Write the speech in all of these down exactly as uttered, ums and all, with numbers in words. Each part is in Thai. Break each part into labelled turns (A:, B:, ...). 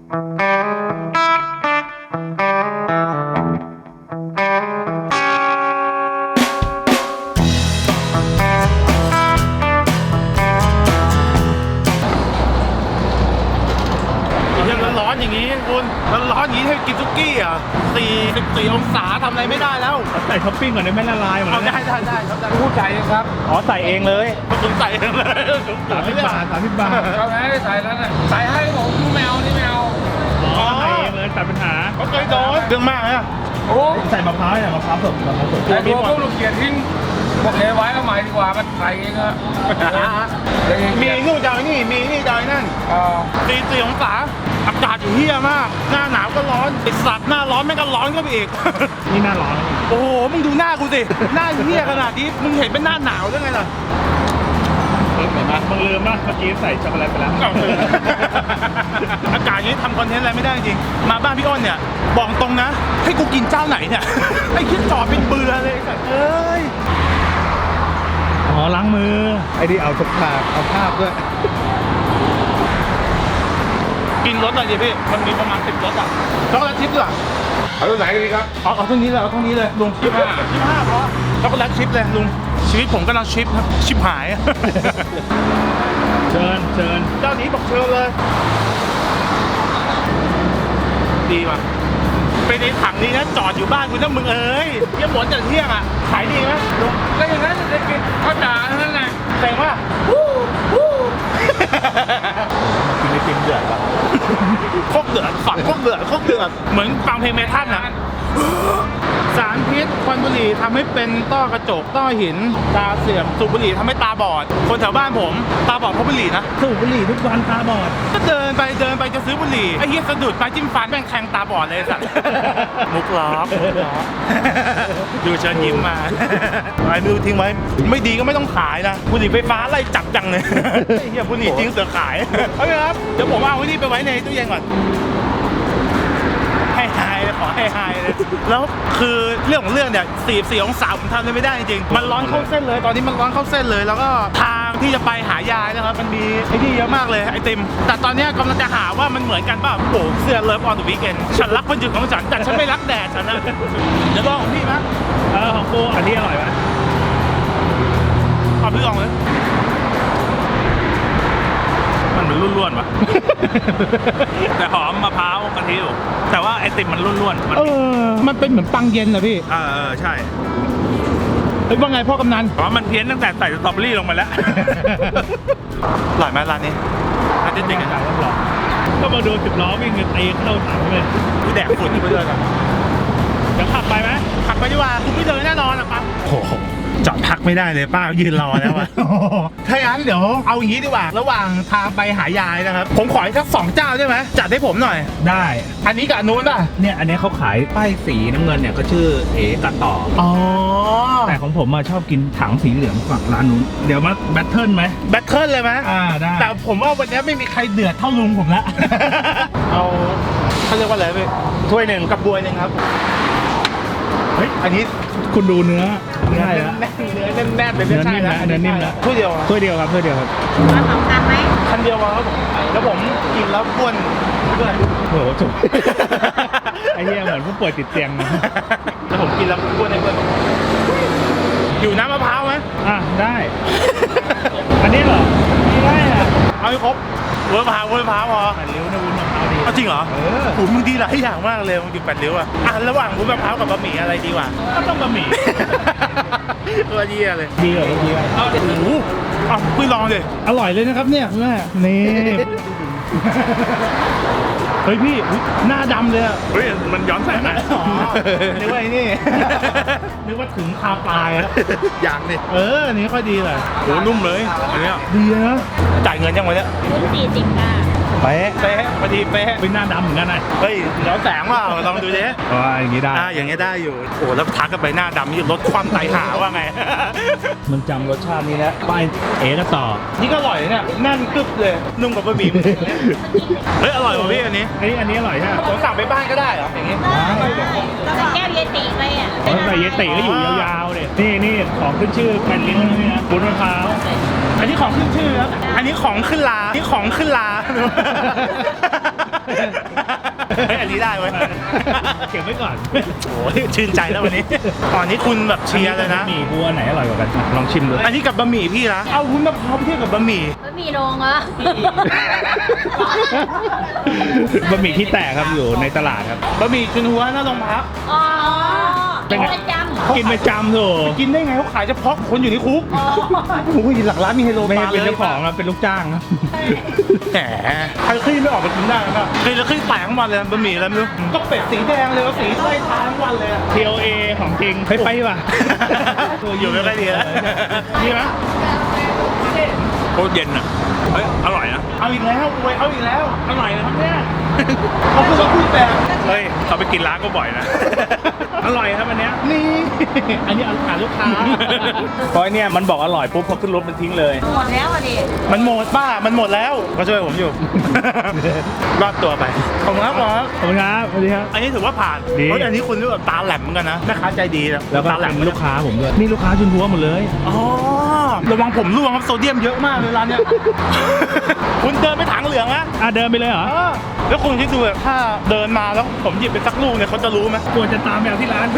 A: ร้อนอย่างนี้คุณมันร้อนอย่างนี้ให้กินซุกี้อ่ะสี่สิบสี่องศาทำอะไรไม่ได้แล้ว
B: ใส่ท็อปปิ้งก่อนได้ไหมละลายหมดแล้ว
A: ได้ได้ได้ครับได้ผู้ใจครับ
B: อ๋อใส่เองเลย
A: ผมใส่เองเลย
B: สามสิบบาทสามสิบบาท
C: เราไม่ได้ใส่แล้วนะใส่ให้ผมแมวนี่แมว
B: อ๋อใส่เองเลยตัดปัญหา
A: เขาเคยโดนเรื่องมากเลย
C: โอ้
B: ใส่มะพร้าวเนี่ยมะพร้าวสดมะพร้าวสด
C: แต่ตัวพวกลูกเกียร์ทิ้งพวกเอไว้เอาใหม่ดีกว่ามันใส่เองอะ
A: มีนู่นจอยนี่มีนี่จอยนั่นสี่สี่องศาอากาศอยู่เฮี้ยมากหน้าหนาวก็ร้อนไอสัตว์หน้าร้อนแม่งก็ร้อนก็ไปอีก
B: นี่หน้าร้อน
A: โอ้โหมึงดูหน้ากูสิหน้าเฮี้ยขนาดนี้มึงเห็นเป็นหน้าหนาวได้ไงล่ะ
B: เห็นไหมมึงลืมป่ะเมื่อกี้ใส่ช็อกโกแลตไปแล้ว
A: อากาศนี้ทำคอนเทนต์อะไรไม่ได้จริงมาบ้านพี่อ้นเนี่ยบอกตรงนะให้กูกินเจ้าไหนเนี่ยไอ้คิดจอดเป็นเบื่อเลยสัตว์เอ้ย
B: อ๋อล้างมือ
D: ไอ้นี่เอาทุกภาพเอาภาพด้วย
A: กินรสอะไรดิพี่มันมีประมาณสิบรสอ่ะช็อกโกแลตชิพด้วย
C: เอาตัวไหนดีครับ
A: เอาเอาเท่านี้เลยเอาเท่านี้เลยลุงชิปห้าชิปห้าเพราะช็อกโกแลตชิพเลยลุงชีวิตผมกำลังชิปครับชิปหาย
B: เชิญเชิญ
A: เจ้านี้บอกเชิญเลยดีว่ะไปในถังนี้นะจอดอยู่บ้านคุณต้องมึงเอ้ยเยี่ยมหมดจากเที่ยงอ่ะขายดีไหมลุง
C: แล้วอย่างนั้นได้กินข้าวจ๋านั่นแหละ
A: แสดงว่า
D: กินไอติมเดือดป่ะ
A: โคกเดือดฝังโคกเดือดโคกเดือดเหมือนฟังเพลงเมทัลนะสารพิษควันบุหรี่ทำให้เป็นต้อกระจกต้อหินตาเสื่อมสูบบุหรี่ทำให้ตาบอดคนแถวบ้านผมตาบอดเพราะบุหรี่นะ
B: สูบบุหรี่ทุกวันตาบอด
A: ก็เดินไปเดินไปจะซื้อบุหรี่ไอ้เหี้ยสะดุดไปจิ้มฟันแม่งแทงตาบอดเลยสัตว์มุกล้อดูเชิญยิ้มมาไอ้มือทิ้งไว้ไม่ดีก็ไม่ต้องขายนะบุหรี่ไฟฟ้าไล่จับจังเลยไอ้เหี้ยบุหรี่จริงเสือขายโอเคครับเดี๋ยวผมเอาไว้นี่ไปไว้ในตู้เย็นก่อนให้หายเลยขอให้หายเลยแล้วคือเรื่องของเรื่องเนี่ยสี่สี่องศาผมทำได้ไม่ได้จริงๆมันร้อนเข้าเส้นเลยตอนนี้มันร้อนเข้าเส้นเลยแล้วก็ทางที่จะไปหายายนะครับมันมีไอ้นี่เยอะมากเลยไอติมแต่ตอนนี้กำลังจะหาว่ามันเหมือนกันป่ะโอ้เสื้อเลิฟออนเดอะวีคเอนด์ฉันรักวันหยุดของฉันแต่ฉันไม่รักแดดฉันนะเดี๋ยวลองของพี่มั้ย
B: เออของกูอันนี้อร่อยไหม
A: เอาพี่ลองเลยมันเหมือนร่วนๆว่ะแต่หอมมะพร้าวกะทิอยู่แต่ว่าไอติมมันร่วนๆ
B: เออมันเป็นเหมือนปังเย็นเหรอพี่
A: เออใช่
B: เฮ้ยว่าไงพ่อกำนัน
A: อ๋อมันเพี้ยนตั้งแต่ใส่สตรอเบอรี่ลงมาแล้วอร่อยไหมร้านนี้ร้านจริงๆอ่ะ
B: ก็มาดูสิบล้อวิ่งกันตีเข้าถังเลย
A: กูแดกฝุ่นไปเลยกัน
B: เดี๋ยวขับไปไหม
A: ขับไปดีกว่าคุณไม่เดินแน่นอนอ่ะปั๊บโอ้โหจอดพักไม่ได้เลยป้ายืนรอแล้วอ่ะถ้าอย่างนั้นเดี๋ยวเอาอย่างนี้ดีกว่าระหว่างทางไปหายายนะครับผมขออีกสักสองเจ้าได้ไหมจัดให้ผมหน่อย
B: ได้
A: อันนี้กับนู้นป่ะ
B: เนี่ยอันนี้เขาขายป้ายสีน้ำเงินเนี่ยก็ชื่อเอตัดต่อ
A: อ๋อ
B: แต่ของผมมาชอบกินถังสีเหลืองฝั่งร้านนู้นเดี๋ยวมาแบทเทิลไหม
A: แบทเทิลเลยไหม
B: อ่าได้
A: แต่ผมว่าวันนี้ไม่มีใครเดือดเท่าลุงผมละเอาเขาเรียกว่าอะไรพี่ถ้วยหนึ่งกับบวยหนึ่งครับเฮ้ยอันนี้
B: คุณดูเนื้อ
A: เนื้อแน่นเนื้อแน่นแน่นเลย
B: เนื้อนิ่มนะเนื้อนิ่มนะ
A: ถ้วยเดียว
B: ถ้วยเดียวครับถ้วยเดียวครับ
E: มาสองคันไหม
A: คันเดียวครับผมแล้วผมกินแล้วบ้วนด้วย
B: โอ้โหจุกไอ้เหี้ยเหมือนผู้ป่วยติดเตียงนะ
A: แล้วผมกินแล้วบ้วนในเพื่อนอยู่น้ำมะพร้าวไหม
B: อ่ะได้อันนี้เหรอไม่ได้อ่ะ
A: เอาให้ครบวุ้นมะพร้าววุ้นมะพร้าวพอ
B: แปดริ้วนะวุ้นมะพร้าวดี
A: จริงเหรอ
B: เออ
A: ผมมึงดีหลายอย่างมากเลยมึงกินแปดริ้วอ่ะอ่ะระหว่างวุ้นมะพร้าวกับบะหมี่อะไรดีกว่า
B: ก็ต้องบะหมี่
A: ตัวเยี่ยเลย
B: ดีเหรอดีเหรอ
A: โอ้โหอ่ะคุยลองเลย
B: อร่อยเลยนะครับเนี่ยแม่นี่เฮ้ยพี่หน้าดำเลยอ่ะ
A: เฮ้ยมันย้อนแสงนะ
B: อ๋อนึกว่าไอ้นี่นึกว่าถึงคาปลายอ่ะ
A: อย่างนี่
B: เอออันนี้ค่อยดีเลย
A: โหนุ่มเลยอันนี้
B: ดีนะ
A: จ่ายเงินยังไงเนี่ย
E: สี่สิบค่ะ
A: เป๊ะเป๊ะพอดีเป๊ะ
B: เป็นหน้าดำเหมือนกันนะ
A: เฮ้ยย้อนแสงว่าลองดูดิ
B: อ๋ออย่างนี้ได้
A: อ่าอย่างนี้ได้อยู่โอ้แล้วทักกันไปหน้าดำนี่ลดความไตหาว่าไง
B: มันจำรสชาตินี้แล้วไปเอ๋ก็ต่อ
A: นี่ก็อร่อยเนี่ยแน่นกึบเลยนุ่มกับบะหมี่เฮ้ยอร่อยกว่าพี่อันนี้
B: อันนี้อันนี้อร่อยใช่ไหม
A: ผมสั่งไปบ้านก็ได้เหรออย่างนี้
E: เราใส่แก้วเยติไปอ่ะ
B: ใส่เยติก็อยู่ยาวๆเลยนี่นี่ของขึ้นชื่อแผ่นลิ้นนี่นะบุญมะพร้าว
A: อันนี้ของขึ้นชื่อครับอันนี้ของขึ้นลานี่ของขึ้นลาเฮ้ยอันนี้ได้เว้ย
B: เก็บไว้ก่อน
A: โอ้ยชื่นใจแล้ววันนี้ตอนนี้คุณแบบเชียร์เลยนะ
B: หมี่บัวไหนอร่อยกว่ากันลองชิมดู
A: อันนี้กับบะหมี่พี่นะเอาวุ้นมะพร้าวไปเทียบกับบะหมี่
E: ไม่มีโรงเหรอบ
B: ะหมี่ที่แตกครับอยู่ในตลาดครับ
A: บะหมี่จุนหัวหน้าโรงพัก
E: อ๋อ
B: เป็
E: เป็น น
B: ไง
E: ประจำ
B: กินประจำโถ
A: กินได้ไงเขาขายเฉพาะคนอยู่ในคุก
E: อ๋อ
A: โอ้ยหลักร้านมีไฮโล
B: ไม่
A: บา
B: ใช่
A: ร์
B: เป็น
A: เลย
B: เจ้าของครับเป็นลูกจ้างครับ
A: แหมใครขึ้นไม่ออกมากินได้นะครับเคยแล้วขึ้นแตกทั้งวันเลยบะหมี่อะไรไม่รู้ก็เป็ดสีแดงเลยก็สีไส้ทาทั้งวันเลยอะ
B: ที โอ เอ ของจริงไปไปดีกว่า
A: อยู่ไม่ค่อยดีแล้ว
B: นี่ไหม
C: โคตรเย็นอ่ะ เฮ้ย อร่อยนะ
A: เอาอีกแล้วอวยเอาอีกแล้ว
B: อร่อยนะครับเนี่ย
A: เขาพูดว่าพูดแต่
C: เฮ้ย เขาไปกินร้านก็บ่อยนะ
B: อร่อยครับอันเนี้ย
A: นี่ อันนี้เอาหาลูกค้า
B: เพราะเนี่ยมันบอกอร่อยปุ๊บพอขึ้นรถมันทิ้งเลย
E: หมดแล้วอ่ะดิ
A: มันหมดป้ามันหมดแล้วก็ช่วยผมอยู่ รอดตัวไปขอบคุณครับหมอ
B: ขอบคุณครับสวัสดีครับ
A: อันนี้ถือว่าผ่าน
B: ดี
A: เพราะอันนี้คุณรู้แบบตาแหลมเหมือนกันนะแม่ค้าใจดีนะ
B: แล้วก็
A: ตาแหลม
B: เป็นลูกค้าผมด้วยนี่ลูกค้าชุนทัวหมดเลย
A: อ๋อระวังผมร่วงครับโซเดียมเยอะมากเลยร้านเนี้ย คุณเดินไปถังเหลืองนะ
B: อ่ะเดินไปเลยเหรอ
A: เออแล้วคุณคิดดูแบบถ้าเดินมาแล้วผมหยิบไปสักลูกเนี่ยเขาจะรู้ไหม
B: กลัวจะตามแมวที่ร้าน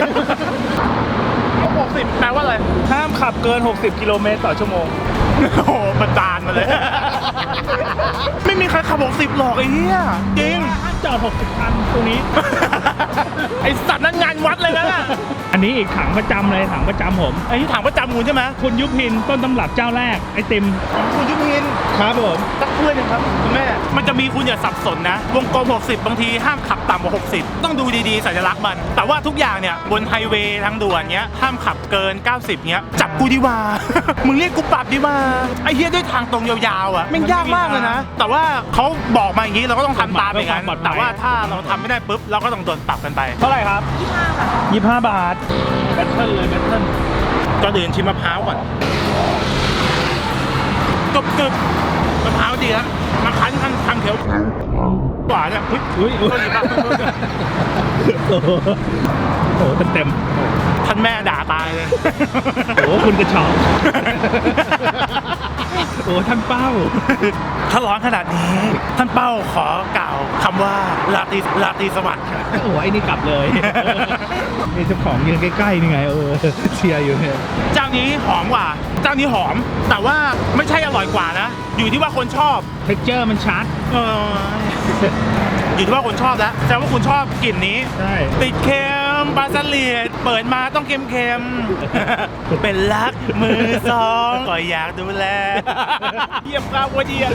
A: หกสิบแปลว่าอะไร
B: ห้ามขับเกิน หกสิบ กิโลเมตรต่อชั่วโมง
A: โอ้โหประจานมาเลย ไม่มีใครขับหกสิบหรอกไอ้เหี้ยจริง
B: ห้ามจอด หกสิบ คันตรงนี้
A: ไอสัตว์นั้นงานวัดเลยนะ
B: อันนี้อีกถังประจำเลยถังประจำผม
A: ไอ้ที่ถามว่าจำงูใช่ไหม
B: คุณยุพินต้นตำรับเจ้าแรกไอติม
A: คุณยุพิน
B: ครับผม
A: ตักถ้วยหนึงครับคุณแม่ มันจะมีคุณอย่าสับสนนะ วงกลมหกสิบบางทีห้ามขับต่ำกว่าหกสิบต้องดูดีๆสัญลักษณ์มัน แต่ว่าทุกอย่างเนี่ยบนไฮเวย์ทางด่วนเนี้ยห้ามขับเกิน เก้าสิบเนี้ยจับกูดีกว่า มึงเรียกกูปรับดีกว่าไอ้เหี้ยด้วยทางตรงยาวๆอ่ะแม่งยากมากเลยนะ แต่ว่าเขาบอกมาอย่างนี้เราก็ต้องทำตามอย่างนั้นแต่ว่าถ้าเราทำไม่ได้ปุ๊บเราก็ต้องโดนปรับกันไป
B: เท่าไหร่ครับ ยี่สิบห้าบาทแบตเทิลเลยแบตเทิล
A: ก็เดินชิมมะพร้าวก่อนกรึบกรึบมะพร้าวดีครับมาคั้นคั้นคั้นเขียวหวานอ่ะอุ๊ย
B: อุ้ยอุ้ย
A: โทษทีครับโทษที
B: โอ้โหโอ้โหเต็มเต็ม
A: ท่านแม่ด่าตายเลย
B: ๆโอ้โหคุณกระชอกโอ้ท่านเป้า
A: ถ้าร้อนขนาดนี้ ท่านเป้าขอกล่าวคำว่าลาตรีลาตรีสวัสดิ์ครับ
B: โอ้ไอ้นี่กลับเลยนี่เจ้าของยืนใกล้ๆนี่ไงเออเชียร์อยู่เนี่ย
A: เจ้านี้หอมกว่า เจ้านี้หอม แต่ว่าไม่ใช่อร่อยกว่านะ อยู่ที่ว่าคนชอบ
B: เท็กเจอร์มันชัด
A: เอออยู่ที่ว่าคนชอบแล้วแสดงว่าคุณชอบกลิ่นนี้
B: ใช่
A: ติดเค็มปลาสลิดเปิดมาต้องเค็มเค็มๆ เป็นรักมือสองก็อยากดูแล เยี่ยมครับว่าเดีย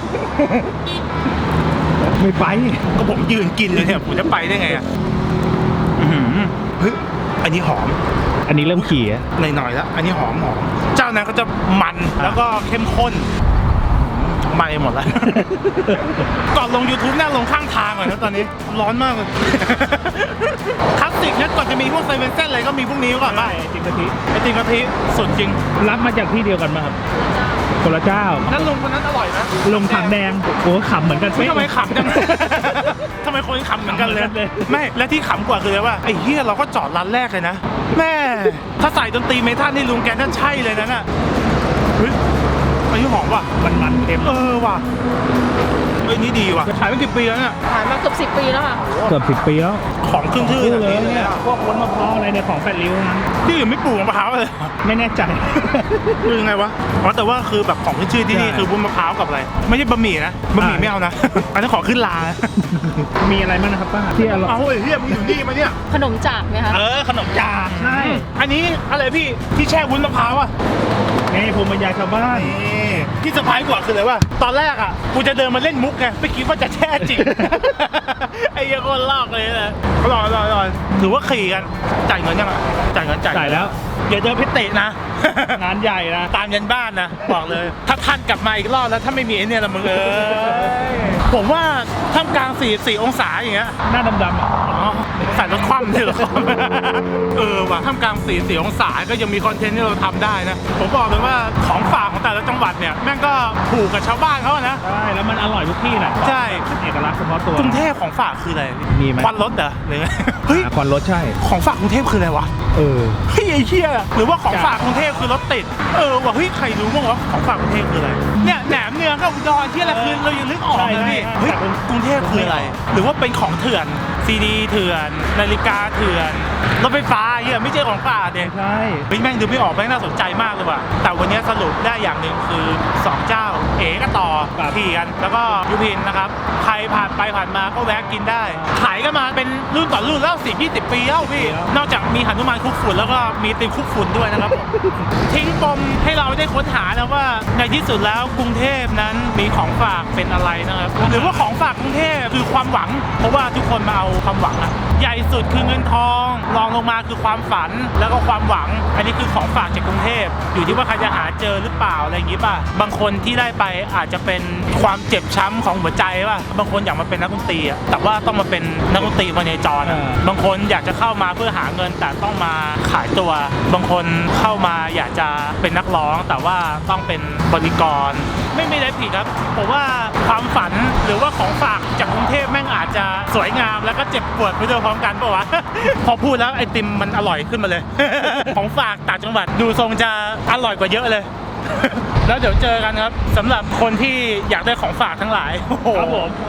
B: ไม่ไป
A: ก็ผมยืนกินเลยเนี่ยผมจะไปได้ไงอ่ะอื้อหือเฮ้ยอันนี้หอม
B: อันนี้เริ่มขี่อะ
A: หน่อยๆแล้ว อันนี้หอมหอมเจ้านั้นก็จะมันแล้วก็เข้มข้นไหม่หมดแล้ว ก่อนลง YouTube น่าลงข้างทางก่อนนะตอนนี้ร้อนมากเลย คลาสสิกเนี่ยก่อนจะมีพวกเซเว่นเส้นอะไรก็มีพวกนี้ก่อนป่ะ
B: จิมกะทิ
A: ไอติมกะทิสุดจริง
B: รับมาจากที่เดียวกันมาครับคนละเจ้า
A: นั่นลงคนนั้นอร่อยนะ
B: ลงถังแดงโอ้ขำเหมือนกัน
A: เฮ้ย
B: เป๊ะ
A: ทำไมขำจัง ทำไมคนขำเหมือนกันเลย
B: ขำเหมือนกันเลย
A: ไม่และที่ขำกว่าคืออะไรว่าไอ้เฮียเราก็จอดร้านแรกเลยนะแม่ถ้าใส่ดนตรีเมทัลนี่ลุงแกนั่นใช่เลยนะน่ะเฮ้ยอันนี้หอมว่ะ
B: มันมันๆเค็ม
A: เออว่ะเอ้ยนี่ดีว่ะขายมากี่ปีแล้วเนี่ย
E: ผ่านมาเกือบสิบปีแล้วค่ะ
B: เกือบสิบปีแล้ว
A: ของขึ้นชื่อ
B: พูด
A: แบบ
B: เลย
A: นี้เลย
B: เนี่ย
A: อะ
B: พวกวนมะพร้าวอะไรในยของแปดริ้วนั้น
A: ที่อื่นไม่ปลูกมะพร้าวเลย
B: ไม่แน่ใจ
A: คือยังไงวะอ๋อแต่ว่าคือแบบของขึ้นชื่อที่นี่
B: ใช่
A: คือวุ้นมะพร้าวกับอะไร ไม่ใช่บะหมี่นะบะหมี่
B: อ่า
A: ไม่เอานะ อันนี้นขอขึ้นลา
B: มีอะไรบ้างนะครับป้าที่อร่อย
A: เอาไอ้เฮียมึงอยู่นี่มาเนี่ย
E: ขนมจากไหมคะ
A: เออขนมจาก
B: ใช่
A: อันนี้อะไรพี่ที่แช่วุ้นมะพร้าวอ่ะ
B: นี่ภูมิปัญญาชาวบ้าน
A: นี่ที่เซอร์ไพรส์กว่าคืออะไรวะตอนแรกอ่ะกูจะเดินมาเล่นมุกไงไม่คิดว่าจะแช่จริง ไอ้เหี้ยังคนลอกเลยนะอร่อยอร่อยอร่อยถือว่าขี่กันจ่ายเงินยังอ่ะจ่ายเงินจ่าย
B: จ่ายแล้ว
A: อย่าเดินเพชรเตะนะ
B: งานใหญ่นะ
A: ตามยันบ้านนะบอกเลย ถ้าท่านกลับมาอีกรอบแล้วถ้าไม่มีไอ้เนี่ยละมึงเอ้ยผมว่าท่ามกลางสี่สี่องศาอย่างเงี้ย
B: หน้าดำๆอ่ะ
A: อ๋อใส่รถคว่ำเลยเหรอครับ เออว่ะท่ามกลางสี่สี่องศาก็ยังมีคอนเทนต์ที่เราทำได้นะ ผมบอกเลยว่าของฝากของแต่ละจังหวัดเนี่ยแม่งก็ถูกกับชาวบ้านเขาอะนะ
B: ใช่แล้วมันอร่อยทุกที่นะ
A: ใช่
B: เป็นเอกลักษณ์เฉพาะตัว
A: กรุงเทพของฝากคืออะไร
B: มีไหม
A: ควันรถเหรอหรือไงเฮ้ย
B: อ่ะควันรถใช่
A: ของฝากกรุงเทพคืออะไรวะ
B: เออ
A: เฮ้ยไอ้เหี้ยหรือว่าของฝากกรุงเทพคือรถติด เออว่ะเฮ้ยใครรู้บ้างวะของฝากกรุงเทพคืออะไร เนี่ยแหนมเหนือกับอุดรที่อะไรคือเรายังนึกออก
B: ใช่
A: เลยพี่
B: ใช่
A: เฮ้ย
B: แต่เป็น
A: กรุงเทพคืออะไร หรือว่าเป็นของเถื่อนซีดีเถื่อนนาฬิกาเถื่อนรถไฟฟ้าเหี้ยไม่ใช่ของป่าเด็ก
B: ใช่
A: เฮ้ยแม่งดูไม่ออกแม่งน่าสนใจมากเลยว่ะแต่วันนี้สรุปได้อย่างหนึ่งคือสองเจ้าเอ๋กับต่อขี่กันแล้วก็ยุพินนะครับใครผ่านไปผ่านมาก็แวะกินได้ขายกันมาเป็นรุ่นต่อรุ่นแล้วสิบยี่สิบปีแล้วพี่นอกจากมีหนุมานคุกฝุ่นแล้วก็มีติมคุกฝุ่นด้วยนะครับทิ้งปมให้เราได้ค้นหานะว่าในที่สุดแล้วกรุงเทพนั้นมีของฝากเป็นอะไรนะครับหรือว่าของฝากกรุงเทพคือความหวังเพราะว่าทุกคนมาเอาความหวังอะใหญ่สุดคือเงินทองรองลงมาคือความฝันแล้วก็ความหวังอันนี้คือของฝากจากกรุงเทพอยู่ที่ว่าใครจะหาเจอหรือเปล่าอะไรอย่างงี้ป่ะบางคนที่ได้ไปอาจจะเป็นความเจ็บช้ำของหัวใจป่ะบางคนอยากมาเป็นนักดนตรีอะแต่ว่าต้องมาเป็นนักดนตรีมาในจรอะบางคนอยากจะเข้ามาเพื่อหาเงินแต่ต้องมาขายตัวบางคนเข้ามาอยากจะเป็นนักร้องแต่ว่าต้องเป็นบริกรไม่มีอะไรผิดครับผมว่าความฝันหรือว่าของฝากจากกรุงเทพแม่งอาจจะสวยงามแล้วก็เจ็บปวดไปด้วยพร้อมกันป่ะวะ พอพูดแล้วไอติมมันอร่อยขึ้นมาเลย ของฝากต่างจังหวัดดูทรงจะอร่อยกว่าเยอะเลย แล้วเดี๋ยวเจอกันครับสำหรับคนที่อยากได้ของฝากทั้งหลายโอ้โห
B: ครับผม